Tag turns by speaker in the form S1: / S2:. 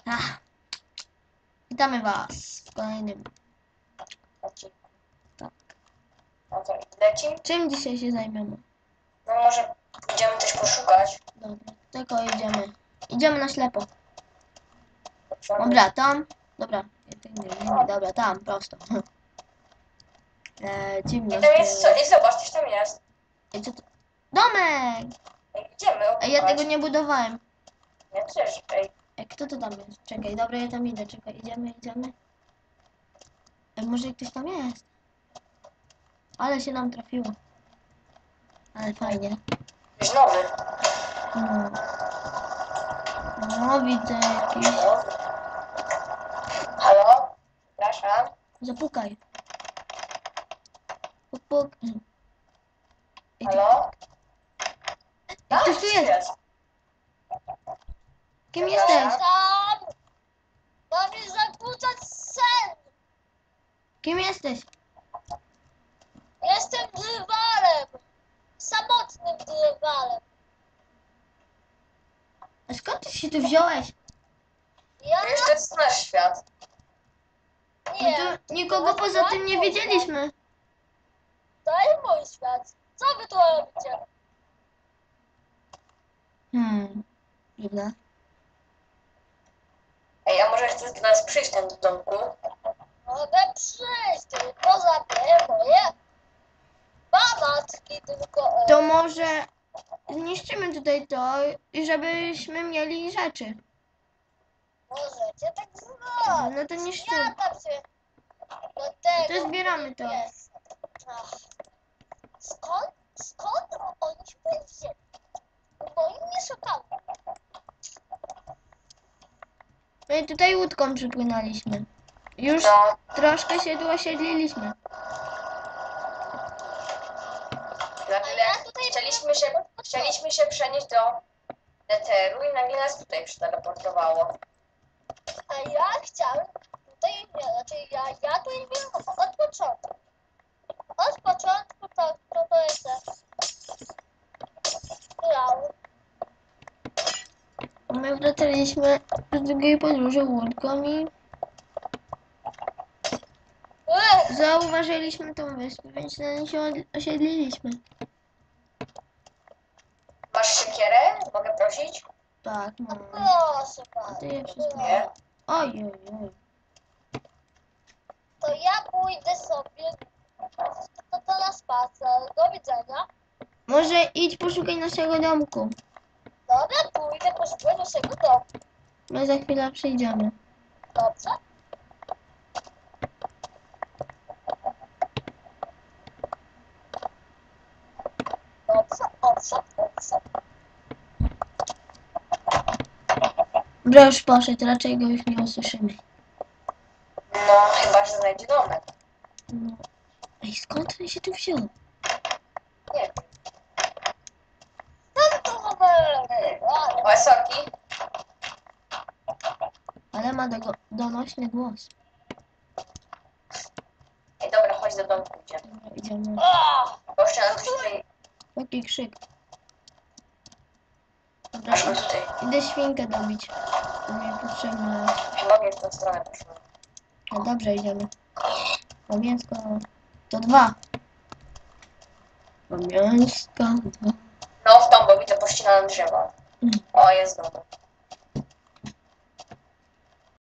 S1: Ach. Witamy was w kolejnym. Tak.
S2: No to lecimy?
S1: Czym dzisiaj się zajmiemy?
S2: No może idziemy coś poszukać.
S1: Dobra, tylko idziemy. Idziemy na ślepo. Dobra, tam. Dobra, nie, dobra, tam, prosto.
S2: I
S1: Ciemność.
S2: tam jest co? I zobacz, coś tam jest.
S1: Ej, co to? Domek!
S2: Ej, idziemy
S1: Ej, ja
S2: opukać.
S1: tego nie budowałem.
S2: Ja też, ej.
S1: Ej, kto to tam jest? Czekaj, dobra, ja tam idę, czekaj, idziemy. Ej, może ktoś tam jest? Ale się nam trafiło. Ale fajnie.
S2: Jakiś nowy.
S1: No, no widzę jakiś.
S2: Nowy. Halo? Przepraszam.
S1: Zapukaj. Puk, puk. Ej,
S2: Halo?
S1: ktoś tu jest. Kim jesteś?
S2: Tam! Mam mi zakłócać sen!
S1: Kim jesteś?
S2: Jestem drwalem! Samotnym drwalem!
S1: A skąd ty się tu wziąłeś?
S2: Ja wiesz, to jest nasz świat.
S1: My tu nikogo poza tym nie wiedzieliśmy.
S2: To jest mój świat. Co wy tu robicie?
S1: Dziwne.
S2: Ej, a może chcesz do nas przyjść tam do domku? Mogę przyjść, tylko zabiję moje bamatki, tylko...
S1: To może zniszczymy tutaj to, i żebyśmy mieli rzeczy.
S2: Możecie tak zrobić.
S1: No to niszczymy.
S2: Ja tam się do tego...
S1: To zbieramy to.
S2: jest. Ach. Skąd oni się wzięli? Bo im nie szukamy.
S1: My tutaj łódką przypłynęliśmy. Już troszkę się tu osiedliliśmy.
S2: Nagle chcieliśmy się przenieść do Netheru i nagle nas tutaj przeteleportowało. A ja chciałem tutaj, znaczy ja tu nie wiem od początku. Od początku to jest grał.
S1: My wracaliśmy z drugiej podróży łódką i zauważyliśmy tą wyspę, więc na niej się osiedliliśmy.
S2: Masz siekierę? Mogę prosić?
S1: Tak, no.
S2: Proszę
S1: A
S2: bardzo.
S1: ty je wszystko.
S2: Nie.
S1: Oj.
S2: To ja pójdę sobie to na spacer. Do widzenia.
S1: Może idź poszukaj naszego domku.
S2: Dobra, pójdę poszukać naszego domu.
S1: My za chwilę przyjdziemy.
S2: Dobrze? Dobrze.
S1: Broż poszedł, raczej go już nie usłyszymy.
S2: No, chyba, że znajdzie domek.
S1: No. Ej, skąd on się tu wziął?
S2: Nie wiem. O, sorki.
S1: Ale ma donośny głos.
S2: Ej, dobra, chodź do domku, idziemy.
S1: Dobra, idziemy.
S2: Bo jeszcze nam tutaj...
S1: Jaki krzyk. Dobra,
S2: Aż go tutaj.
S1: idę świnkę dobić. To mi potrzebne.
S2: Chyba mnie w tą stronę poszło.
S1: No dobrze, idziemy. O mięsko. To 2. O mięsko. 2.
S2: No, w tą, bo widzę pościnane drzewa. O, jest domek.